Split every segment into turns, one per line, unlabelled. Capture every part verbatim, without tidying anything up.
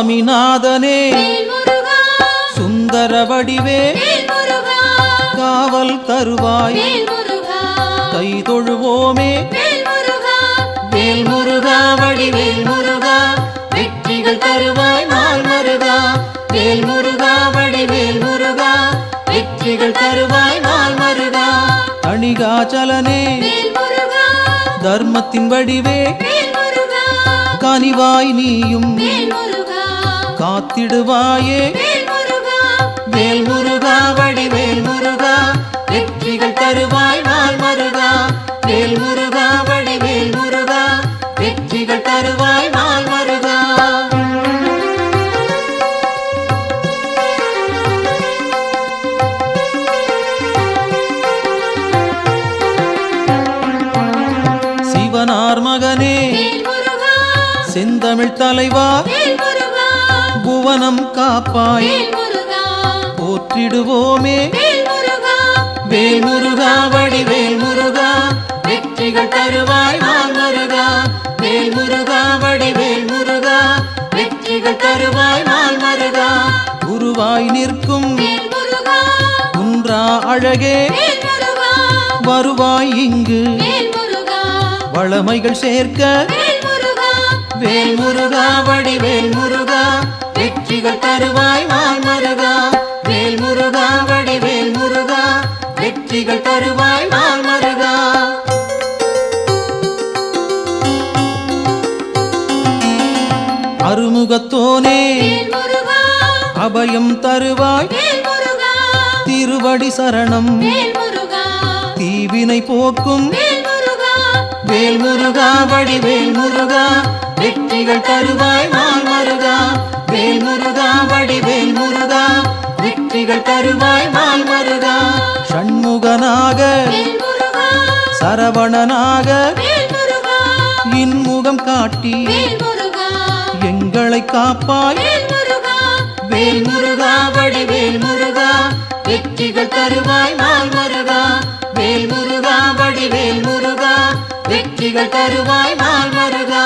சுவாமிநாதனே சுந்தர வடிவே காவல் தருவாய் கை தொழுவோமே வேல் முருகா வடிவேல் முருகா வெற்றிகள் தருவாய் நாள் மருகா வேல் முருகா வடிவேல் முருகா வெற்றிகள் தருவாய் நாள் மருகா அணிகாச்சலனே தர்மத்தின் வடிவே கனிவாய் நீயும் காத்திடுவாயே வேல் முருகா வடிவேல் முருகா வெற்றிகள் தருவாய் நாள் மருகா வேல் முருகா வடிவேல் முருகா வெற்றிகள் தருவாய் நாள் மருகா சிவனார் மகனே செந்தமிழ் தலைவா புவனம் காப்பாய் போற்றிடுவோமே வேல் முருகா வடிவேல் முருகா வெற்றிகள் தருவாய் நாள் மருகா வேல் முருகா வடிவேல் முருகா வெற்றிகள் தருவாய் நாள் மருகா குருவாய் நிற்கும் குன்றா அழகே வருவாய் இங்கு வளமைகள் சேர்க்க வேல் முருகா வடிவேல் முருகா வெற்றிகள் தருவாய் நாள் மருகா வேல் முருகா வடிவேல் முருகா வெற்றிகள் தருவாய் நாள் மருகா அருமுகத்தோனே அபயம் தருவாய் திருவடி சரணம் தீவினை போக்கும் வேல் முருகா வடிவேல் முருகா வெற்றிகள் தருவாய் நாள் மருகா வேல் முருகா வடிவேல் முருகா வெற்றிகள் தருவாய் நாள் மருகா ஷண்முகனாக சரவணனாக இன்முகம் காட்டி எங்களை காப்பாய் வேல் முருகா வடிவேல் முருகா வெற்றிகள் தருவாய் நாள் மருகா வேல் முருகா வடிவேல் முருகா வெற்றிகள் தருவாய் நாள் மருகா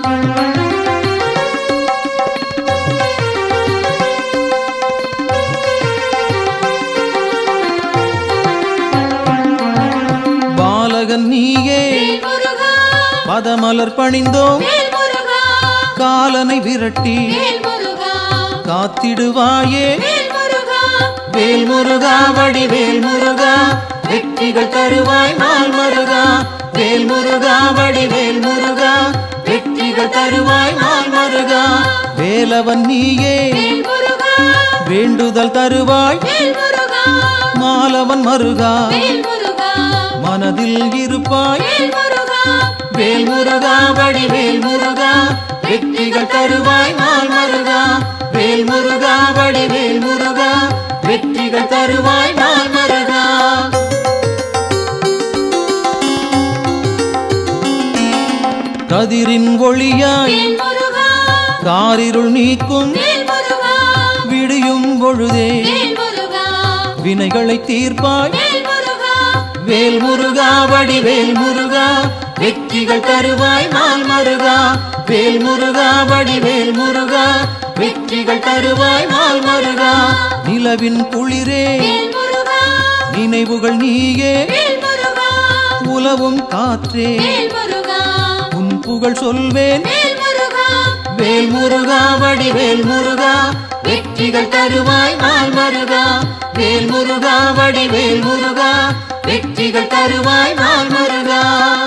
பாலகன் நீயே பதமலர் பணிந்தோம் காலனை விரட்டி காத்திடுவாயே வேல் முருகா வடிவேல் முருகா வெற்றிகள் தருவாய் நாள் மருகா வேல் முருகா வடிவேல் முருகா வெற்றிகள் தருவாய் நாள் மருகா வேலவன் நீயே வேண்டுதல் தருவாய் மாலவன் மருகா மனதில் இருப்பாய் வேல் முருகா வடிவேல் முருகா வெற்றிகள் தருவாய் நாள் மருகா வேல் முருகா வடிவேல் முருகா வெற்றிகள் தருவாய் நாள் மருகா கதிரின் ஒளியாய் காரிருள் நீக்கும் விடியும் பொழுதே வினைகளை தீர்ப்பாய் வேல் முருகா வடிவேல் முருகா வெற்றிகள் தருவாய் நாள் மருகா வேல் முருகா வடிவேல் முருகா வெற்றிகள் தருவாய் நாள் மருகா நிலவின் குளிரே நினைவுகள் நீயே உலவும் காற்றே உன் புகழ் சொல்வேன் வேல் முருகா வடிவேல் முருகா வெற்றிகள் தருவாய் நாள் மருகா வேல் முருகா வடிவேல் முருகா வெற்றிகள் தருவாய் நாள் மருகா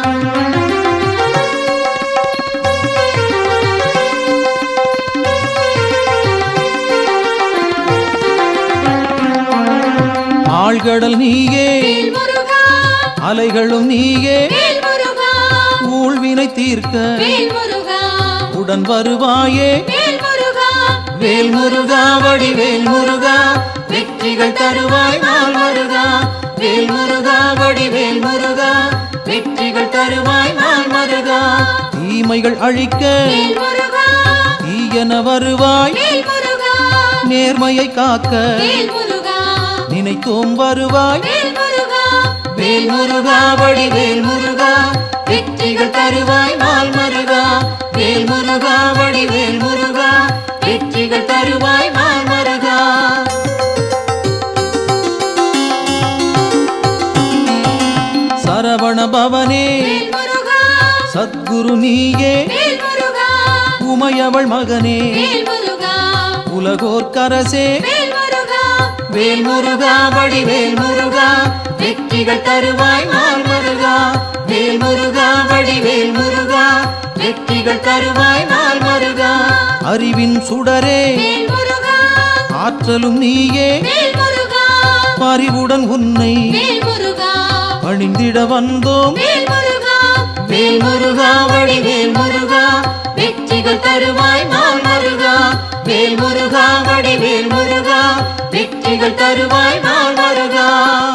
ஆழ்கடல் நீயே அலைகளும் நீயே ஊழ்வினை தீர்க்க உடன் வருவாயே வேல் முருகா வடிவேல் முருகா வெற்றிகள் தருவாய் நாள் மருகா வேல் முருகா வடிவேல் முருகா வெற்றிகள் தருவாய் நாள் மருகா தீமைகள் அழிக்க தீயன வருவாய் நேர்மையை காக்க நினைத்தோம் வருவாய் வேல் முருகா வடிவேல் முருகா வெற்றிகள் தருவாய் நாள் மருகா வேல் முருகா வடிவேல் முருகா வெற்றிகள் வெற்றிகள் தருவாய் நாள் மருகா. சரவண பவனே சத்குரு நீயே உமையவள் மகனே உலகோர்க்கரசே வேல் முருகா வடிவேல் முருகா வெற்றிகள் தருவாய் நாள் மருகா. வேல் முருகா வடிவேல் முருகா வெற்றிகள் தருவாய் நாள் மருகா. அறிவின் சுடரே ஆற்றலும் நீயே பரிவுடன் உன்னை பணிந்திட வந்தோம். வேல் முருகா வடிவேல் முருகா வெற்றிகள் தருவாய் நாள் மருகா. வேல் முருகா வடிவேல் முருகா வெற்றிகள் தருவாய் நாள் மருகா.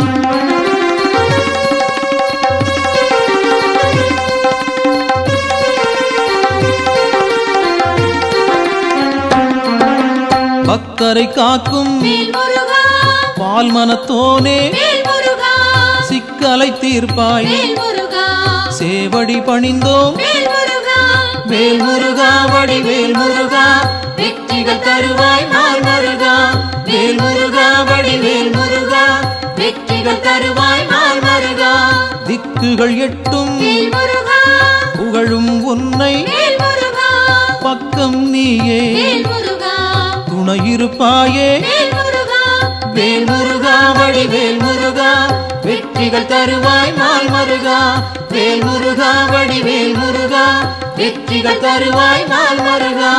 பக்தரை காக்கும் பால் மனத்தோனே சிக்கலை தீர்ப்பாய் சேவடி பணிந்தோம். வேல் முருகா வடிவேல் முருகா வெற்றிகள் தருவாய் நாள் மருகா. வேல் முருகா வடிவேல் முருகா வெற்றிகள் தருவாய் நாள் மருகா. திக்குகள் எட்டும் புகழும் உன்னை பக்கம் நீயே துணையிருப்பாயே. வேல் முருகா வடிவேல் முருகா வெற்றிகள் தருவாய் நாள் மருகா. வேல் முருகா வடிவேல் முருகா வெற்றிகள் தருவாய் நாள் மருகா.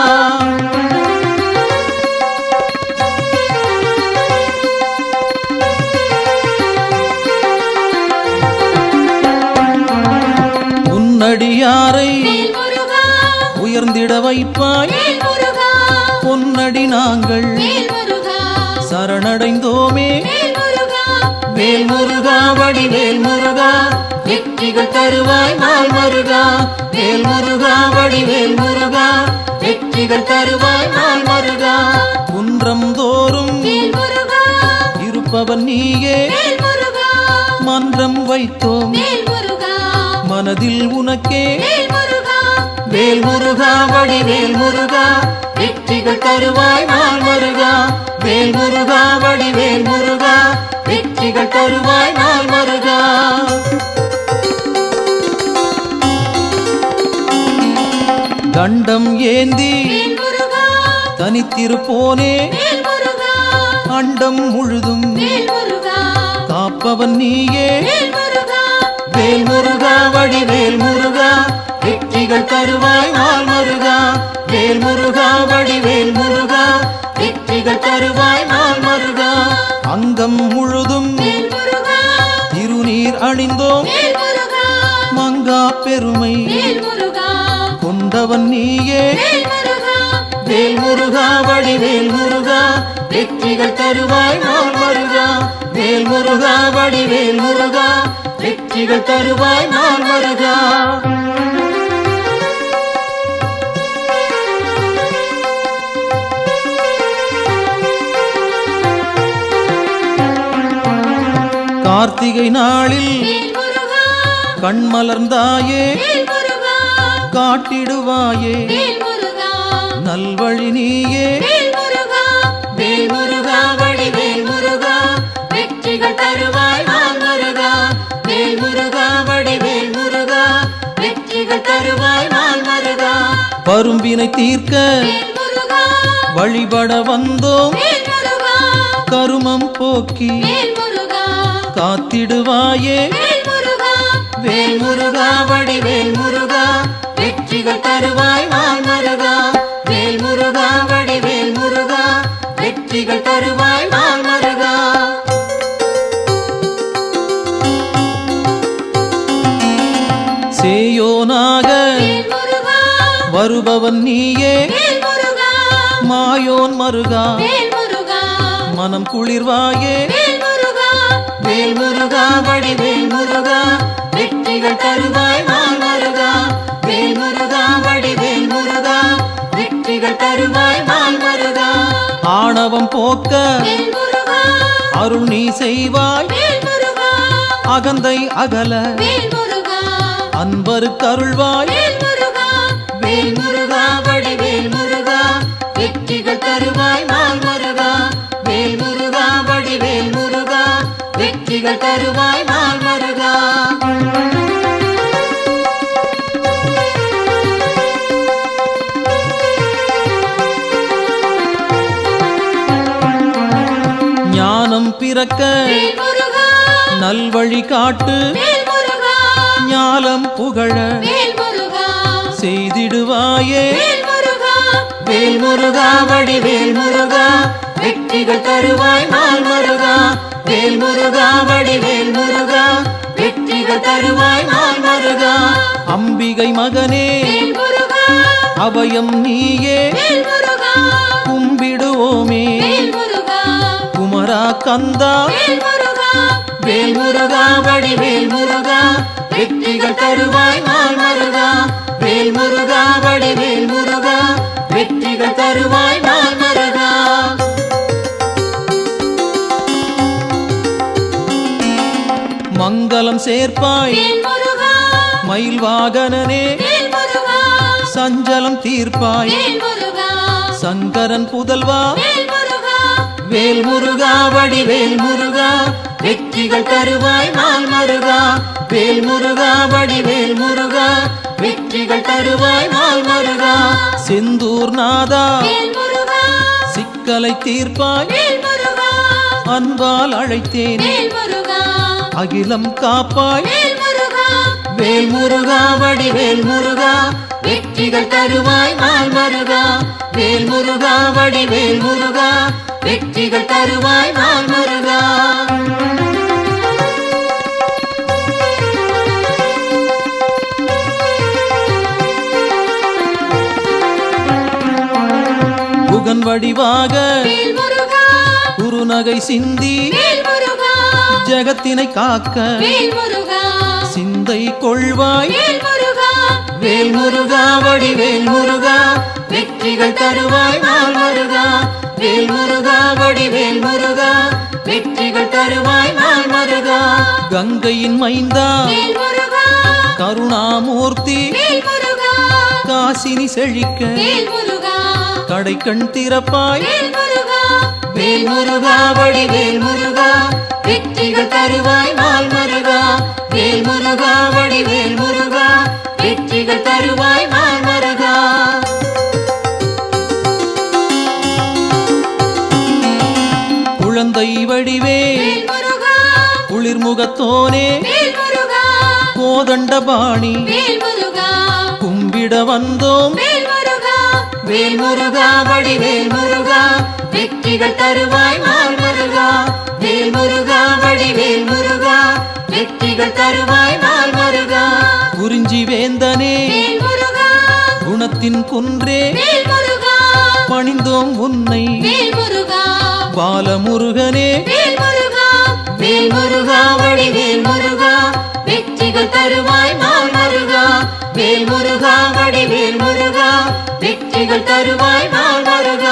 உன்னடியாரை உயர்ந்திட வைப்பாய் பொன்னடி நாங்கள் சரணடைந்தோமே. வேல் முருகா வடிவேல் முருகா வெற்றிகள் தருவாய் நாள் மருகா. வேல் முருகா வடிவேல் முருகா வெற்றிகள் தருவாய் நாள் மருகா. குன்றம் தோறும் இருப்பவன் நீயே மன்றம் வைத்தோம் மனதில் உனக்கே. வேல் முருகா வடிவேல் முருகா வெற்றிகள் தருவாய் நாள் மருகா. வேல் முருகா வடிவேல் முருகா வெற்றிகள் தருவாய் நாள் மருகா. தண்டம் ஏந்தி தனித்திருப்போனே அண்டம் முழுதும் காப்பவன் நீயே. வேல் முருகா வடிவேல் முருகா வெற்றிகள் தருவாய் நாள் மருகா. வேல் முருகா வடிவேல் முருகா வெற்றிகள் தருவாய் நாள் மருகா. அங்கம் முழுதும் திருநீர் அணிந்தோம் மங்கா பெருமை கொண்டவன் நீயே. வேல் முருகா வடிவேல் முருகா வெற்றிகள் தருவாய் நாள் மருகா. வேல் முருகா வடிவேல் முருகா வெற்றிகள் தருவாய் நாள் மருகா. கார்த்திகை நாளில் கண்மலர்ந்தாயே காட்டிடுவாயே நல்வழி நீயே. வேல் முருகா வடிவேல் முருகா வெற்றிகள் தருவாய் நாள் மருகா. வேல் முருகா வடிவேல் முருகா வெற்றிகள் தருவாய் நாள் மருகா. பரும்பினை தீர்க்க வழிபட வந்தோம் கருமம் போக்கி காத்திடுவாயே. வேல் முருகா வடிவேல் முருகா வெற்றிகள் தருவாய் நாள் மருகா. வேல் முருகா வடிவேல் முருகா வெற்றிகள் தருவாய் நாள் மருகா. சேயோனாக வருபவன் நீயே மாயோன் மருகா மனம் குளிர்வாயே. வேல் முருகா வடிவேல் முருகா வெற்றிகள் தருவாய் நாள் மருகா. வேல் முருகா வடிவேல் முருகா வெற்றிகள் தருவாய் நாள் மருகா. ஆணவம் போக்க அருள் நீ செய்வாய் அகந்தை அகல அன்பருக்கு அருள்வாய். வேல் முருகா வடிவேல் முருகா வெற்றிகள் தருவாய் நாள் முருகா வேல் முருகா வடிவேல் முருகா வெற்றிகள் தருவாய் நாள் முருகா ஞானம் பிறக்க நல்வழி காட்டு ஞானம் புகழ செய்திடுவாயே வேல் முருகா வடிவேல் முருகா வெற்றிகள் தருவாய் நாள் முருகா வேல் முருகா வடிவேல் முருகா வெற்றிகள் தருவாய் நாள் முருகா அம்பிகை மகனே அபயம் நீயே கும்பிடுவோமே குமரா கந்தா வேல் முருகா வடிவேல் முருகா வெற்றிகள் தருவாய் நாள் முருகா வேல் முருகா வடிவேல் முருகா வெற்றிகள் தருவாய் நாள் முருகா மங்களம் சேர்ப்பாய் மயில் வாகனனே சஞ்சலம் தீர்ப்பாய் சங்கரன் புதல்வா வேல் முருகா வடிவேல் முருகா வெற்றிகள் தருவாய் நாள் முருகா வேல் முருகா வடிவேல் முருகா வெற்றிகள் தருவாய் நாள் முருகா செந்தூர் நாதா சிக்கலை தீர்ப்பாய் அன்பால் அழைத்தேன் அகிலம் காப்பாய் வேல் முருகா வடிவேல் முருகா வெற்றிகள் தருவாய் நாள் முருகா வேல் முருகா வடிவேல் முருகா வெற்றிகள் தருவாய் நாள் முருகா புகன் வடிவாக குறுநகை சிந்தி ஜகத்தினை காக்க சிந்தை கொள்வாய் வேல் முருகா வடிவேல் முருகா வெற்றிகள் தருவாய் நாள் முருகா வேல் முருகா வடிவேல் முருகா வெற்றிகள் தருவாய் நாள் முருகா கங்கையின் மைந்தா கருணாமூர்த்தி காசினி செழிக்க கடை கண் திறப்பாய் வேல் முருகா வடிவேல் முருகா வெற்றிகள் தருவாய் நாள் முருகா வேல் முருகா வடிவேல் முருகா வெற்றிகள் தருவாய் நாள் முருகா குழந்தை வடிவே குளிர்முகத்தோனே கோதண்டபாணி கும்பிட வந்தோம் வேல் முருகா வடிவேல் முருகா வெற்றிகள் தருவாய் நாள் முருகா வேல் முருகா வடிவேல் முருகா வெற்றிகள் தருவாய் நாள் முருகா குறிஞ்சி வேந்தனே குணத்தின் குன்றே பணிந்தோம் உன்னை பாலமுருகனே வேல் முருகா வடிவேல் முருகா வெற்றிகள் தருவாய் நாள் முருகா வேல் முருகா வடிவேல் முருகா வெற்றிகள் தருவாய் நாள் முருகா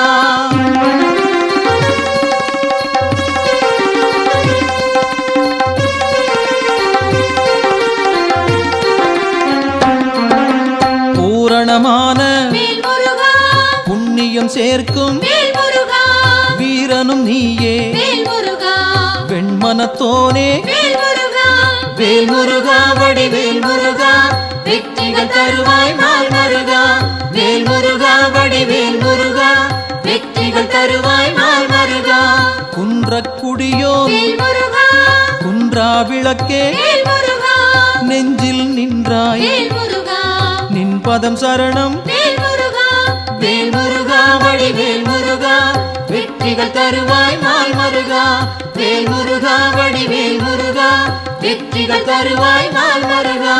பூரணமான புண்ணியம் சேர்க்கும் வீரனும் நீயே வெண்மனத்தோனே வேல் முருகா வடிவேல் முருகா வெற்றிகள் தருவாய் நாள் முருகா வேல் முருகா வடிவேல் முருகா வெற்றிகள் தருவாய் நாள் முருகா குன்றக்குடியோ குன்றா விளக்கே நெஞ்சில் நின்றாய் நின் பதம் சரணம் வேல் முருகா வடிவேல் முருகா வெற்றிகள் தருவாய் நாள் முருகா வேல் முருகா வடிவேல் முருகா வெற்றிகள் தருவாய் நாள் முருகா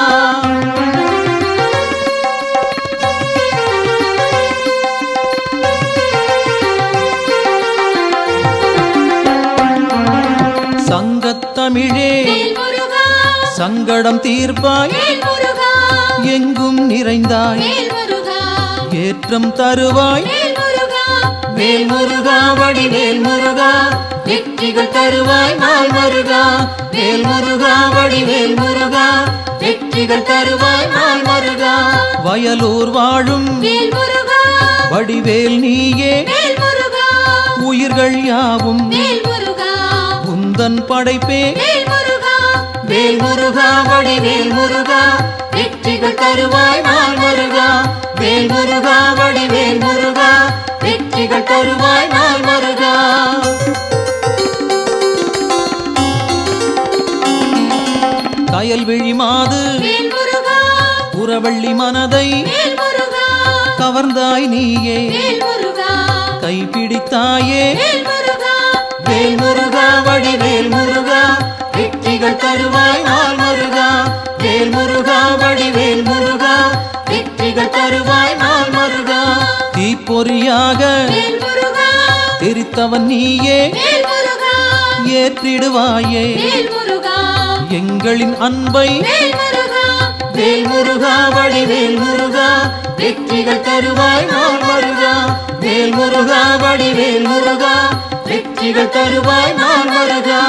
சங்கத்தமிழே சங்கடம் தீர்ப்பாய் எங்கும் நிறைந்தாய் ஏற்றம் தருவாய் வேல் முருகா வடிவேல் முருகா வெற்றிகள் தருவாய் நாள் முருகா வேல் முருகா வடிவேல் முருகா வெற்றிகள் தருவாய் நாள் முருகா வயலூர் வாழும்
வடிவேல் நீயே
வேல் முருகா
உயிர்கள் யாவும்
வேல் முருகா
உந்தன் படைப்பே
வேல் முருகா
வேல் முருகா வடிவேல் முருகா
வெற்றிகள் தருவாய் நாள் முருகா
வேல் முருகா வடிவேல் முருகா
வெற்றிகள் தருவாய் நாள் முருகா
கயல்விழி மாது
வேல் முருகா
புறவள்ளி மனதை
வேல் முருகா
கவர்ந்தாய் நீயே
வேல் முருகா
கைப்பிடித்தாயே
வேல் முருகா
வேல் முருகா வடிவேல் முருகா
வெற்றிகள் தருவாய் நாள் முருகா
வேல் முருகா வடிவேல் முருகா
வெற்றிகள் தருவாய் நாள் முருகா
தீப்பொறியாக
வேல் முருகா
தெரித்தவன் நீயே
வேல் முருகா
ஏற்றிடுவாயே
வேல் முருகா
எங்களின் அன்பை
வேல் முருகா
வேல் முருகா வடிவேல் முருகா
வெற்றிகள் தருவாய் நாள் முருகா
வேல் முருகா வடிவேல் முருகா
வெற்றிகள் தருவாய் நாள் முருகா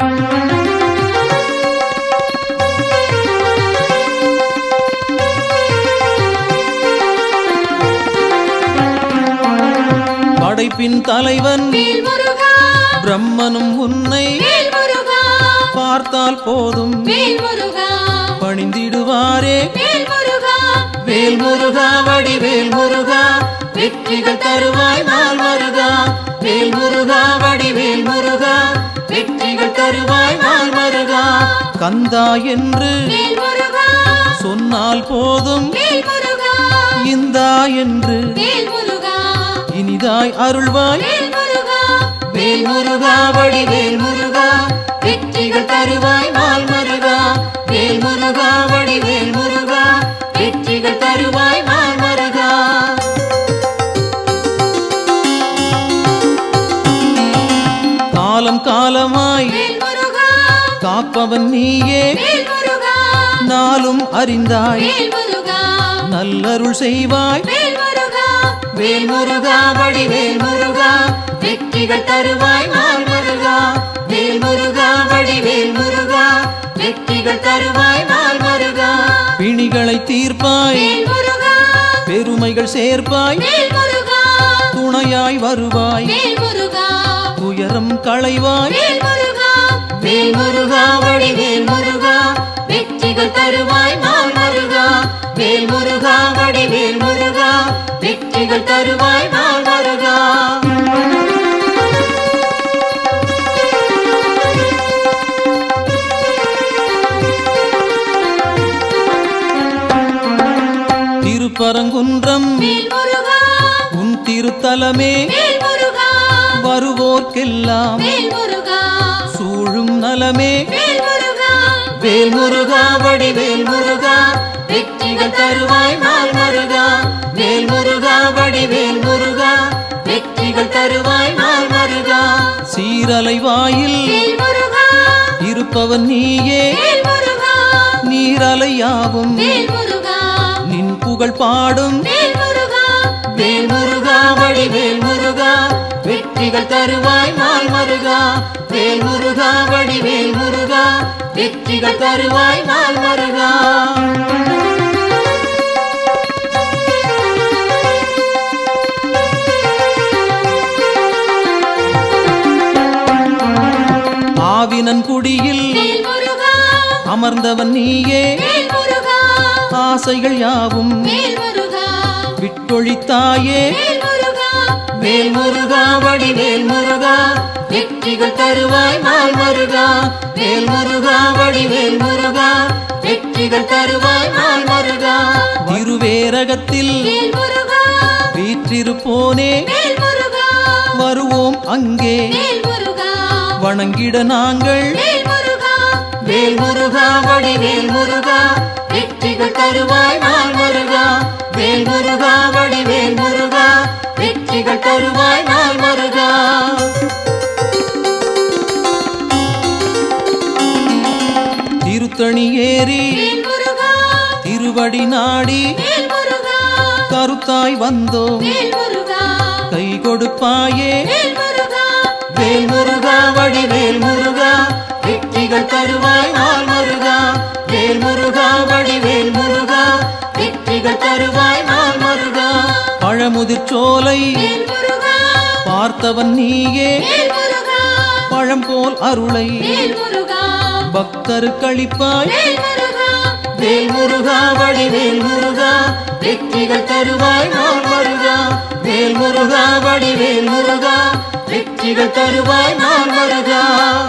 படைப்பின் தலைவன்
வேல் முருகா
பிரம்மனும் உன்னை
வேல் முருகா
பார்த்தால் போதும்
வேல் முருகா
பணிந்திடுவாரே
வேல் முருகா
வேல் முருகா வடிவேல் முருகா
வெற்றிகள் தருவாய் நாள் முருகா
வேல் முருகா வடிவேல் முருகா
வெற்றிகள் தருவாய் நாள் முருகா
கந்தா என்று
வேல் முருகா
சொன்னால் போதும்
வேல் முருகா
இந்தா என்று
வேல் முருகா
இனிதாய் அருள்வாய்
வேல் முருகா
வேல் முருகா வடிவேல் முருகா
வெற்றிகள் தருவாய் நாள் முருகா
வேல் முருகா வடிவேல் முருகா
வெற்றிகள் தருவாய் நாள் முருகா
காலம் காலமாய்
வேல் முருகா
காப்பவன் நீயே
வேல் முருகா
நாளும் அறிந்தாய்
வேல் முருகா
நல்லருள் செய்வாய்
வேல் முருகா
வேல் முருகா வடிவேல் முருகா
வெற்றிகள் தருவாய் நாள் முருகா
வேல் முருகா வடிவேல் முருகா
வெற்றிகள் தருவாய் நாள் முருகா
பிணிகளை தீர்ப்பாய்
வேல் முருகா
பெருமைகள் சேர்ப்பாய்
வேல் முருகா
துணையாய் வருவாய்
வேல் முருகா
துயரம் களைவாய்
வேல் முருகா
வேல் முருகா வடிவேல் முருகா
வெற்றிகள் தருவாய் நாள் முருகா
வேல் முருகா வடிவேல் முருகா
வெற்றிகள் தருவாய் நாள் முருகா
திருப்பரங்குன்றம்
வேல் முருகா
உன் திருத்தலமே
வேல் முருகா
வருவோர்க்கெல்லாம்
வேல் முருகா
சூழும் நலமே
வேல் முருகா
வேல் முருகா வடிவேல் முருகா
வெற்றிகள் தருவாய் நாள் முருகா
வேல் முருகா வடிவேல் முருகா
வெற்றிகள் தருவாய் நாள் முருகா
சீரலை வாயில்
வேல் முருகா
இருப்பவன் நீயே
வேல் முருகா
நீரலையாவும்
வேல் முருகா
நின் புகழ் பாடும்
வேல் முருகா
வேல் முருகா வடிவேல் முருகா
வெற்றிகள் தருவாய் நாள் முருகா
வேல் முருகா வடிவேல் முருகா
வெற்றிகள் தருவாய் நாள் முருகா
ஆவினன் குடியில்
வேல் முருகா
அமர்ந்தவன் நீயே
வேல் முருகா
ஆசைகள் யாவும்
வேல் முருகா
விட்டொழித்தாயே
வேல் முருகா
வேல் முருகா வடிவேல் முருகா
வெற்றிகள் தருவாய் நாள் முருகா
வேல் முருகா வடிவேல் முருகா
வெற்றிகள் தருவாய் நாள் முருகா
திருவேரகத்தில்
வேல் முருகா
வீற்றிருப்போனே
வேல் முருகா
வருவோம் அங்கே
வேல் முருகா
வணங்கிட நாங்கள்
வேல் முருகா
வேல் முருகா வடிவேல் முருகா
வெற்றிகள் தருவாய் நாள் முருகா
வேல் முருகா வடிவேல் முருகா
வெற்றிகள் தருவாய் நாள் முருகா
திருத்தணி ஏறி
வேல் முருகா
திருவடி நாடி
வேல் முருகா
கருத்தாய் வந்தோம்
வேல் முருகா
கை கொடுப்பாயே
வேல் முருகா
வேல் முருகா வடிவேல் முருகா
வெற்றிகள் தருவாய் நாள் முருகா
வேல் முருகா வடிவேல் முருகா
வெற்றிகள் தருவாய் நாள் முருகா
பழமுதிர் பழமுதிர்ச்சோலை
வேல் முருகா
பார்த்தவன் நீயே
வேல் முருகா
பழம்போல் அருளை
வேல் முருகா
பக்தருக்களிப்பாய்
வேல் முருகா
வேல் முருகா வடிவேல் முருகா வெற்றிகள் தருவாய் நாள் முருகா வேல் முருகா வடிவேல் முருகா வெற்றிகள் தருவாய் நாள் முருகா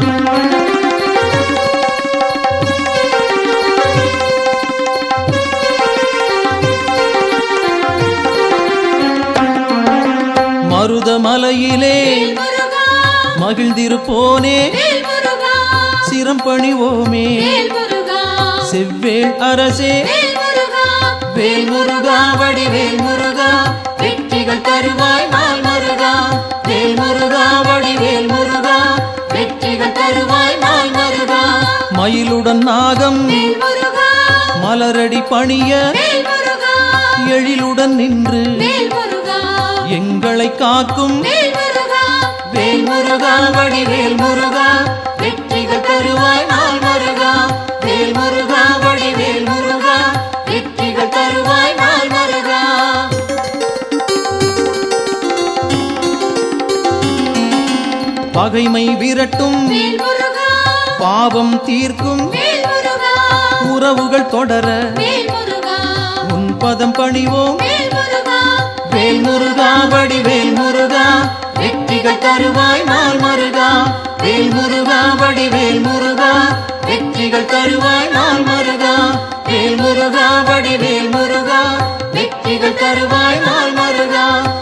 மருதமலையிலே
வேல் முருகா
மகிழ்ந்திருப்போனே
வேல் முருகா
சிரம் பணிவோமே
வேல் முருகா
செவ்வேள் அரசே
வேல் முருகா
வேல் முருகா வடிவேல் முருகா வெற்றிகள் தருவாய் நாள் முருகா வேல் முருகா வடிவேல் முருகா வெற்றிகள் தருவாய் நாள் முருகா மயிலுடன் நாகம்
வேல் முருகா
மலரடி பணிய
வேல் முருகா
எழிலுடன் நின்று
வேல் முருகா
எங்களை காக்கும்
வேல் முருகா
வேல் முருகா வடிவேல் முருகா வெற்றிகள் தருவாய் நாள் முருகா வேல் முருகா வடிவேல் முருகா வெற்றிகள் தருவாய் நாள் முருகா பகைமை விரட்டும்
வேல் முருகா
பாவம் தீர்க்கும்
வேல் முருகா
உறவுகள் தொடர
வேல் முருகா
உன் பதம் பணிவோம்
வேல் முருகா
வேல் முருகா வடிவேல் முருகா வெற்றிகள் தருவாய் நாள் முருகா வேல் முருகா வடிவேல் முருகா வெற்றிகள் தருவாய் நாள் முருகா வேல் முருகா வடிவேல் முருகா வெற்றிகள் தருவாய் நாள் முருகா